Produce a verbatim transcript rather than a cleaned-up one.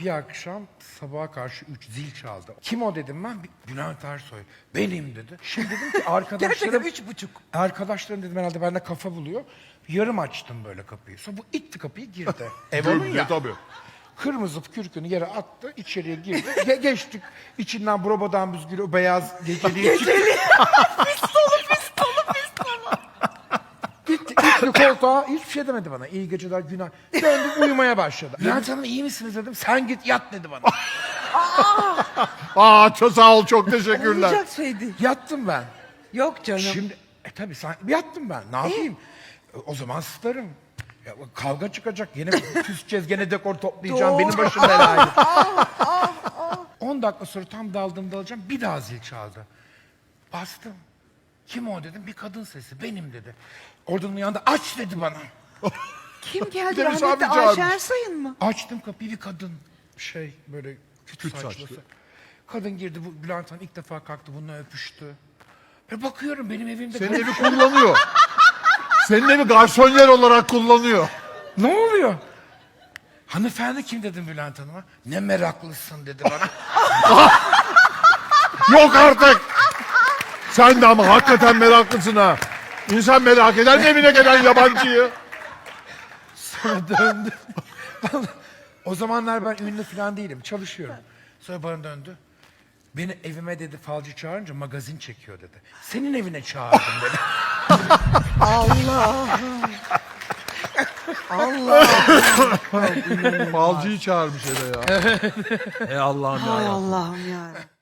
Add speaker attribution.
Speaker 1: Bir akşam sabaha karşı üç zil çaldı. Kim o dedim ben? Bülent Ersoy. Benim dedi. Şimdi dedim ki arkadaşlarım...
Speaker 2: Gerçekten üç buçuk.
Speaker 1: Arkadaşlarım dedim herhalde bende kafa buluyor. Yarım açtım böyle kapıyı. Sonra bu itti kapıyı girdi. Ev onun ya.
Speaker 3: Tabii.
Speaker 1: Kırmızı kürkünü yere attı, içeriye girdi. Ge- geçtik. İçinden brobadan büzgülü o beyaz geceliği çıktı.
Speaker 2: Pistolu pistolu pistolu.
Speaker 1: Gitti, gitti koltuğa. Hiçbir şey demedi bana. İyi geceler, günah. Döndüm uyumaya başladı. Bülent Hanım iyi misiniz dedim. Sen git yat dedi bana.
Speaker 3: Aa çok sağ ol, çok teşekkürler.
Speaker 2: Olacak şey değil.
Speaker 1: Yattım ben.
Speaker 2: Yok canım.
Speaker 1: Şimdi e tabii sen yattım ben. Ne yapayım? E, O zaman starım. Ya, kavga çıkacak. Yine küseceğiz. Gene dekor toplayacağım.
Speaker 2: Doğru.
Speaker 1: Benim başım belaydı. on dakika sonra tam daldım dalacağım. Bir daha zil çaldı. Bastım. Kim o dedim. Bir kadın sesi. Benim dedi. Oradan uyandı. Aç dedi bana.
Speaker 2: Kim geldi?
Speaker 3: Deniz
Speaker 2: Rahmetli
Speaker 3: abi çağırmış.
Speaker 2: Ayşe Ersay'ın mı?
Speaker 1: Açtım kapıyı bir kadın. Şey böyle küt,
Speaker 3: Küt
Speaker 1: saçlısı.
Speaker 3: saçlı.
Speaker 1: Kadın girdi. Bu Bülent Hanım ilk defa kalktı. Bununla öpüştü. E bakıyorum benim evimde.
Speaker 3: Senin evi kullanıyor. Senin evi garsonyer olarak kullanıyor.
Speaker 1: Ne oluyor? Hanımefendi kim dedim Bülent Hanım'a? Ne meraklısın dedi bana.
Speaker 3: Yok artık. Sen de ama hakikaten meraklısın ha. İnsan merak eder mi evine gelen yabancıyı?
Speaker 1: Sonra döndü. O zamanlar ben ünlü falan değilim. Çalışıyorum. Sonra bana döndü. Beni evime dedi falcı çağırınca magazin çekiyor dedi. Senin evine çağırdım dedi.
Speaker 3: Falcıyı çağırmış eve ya. Ey Allah'ım
Speaker 2: Hay
Speaker 3: ya.
Speaker 2: Allah'ım ya.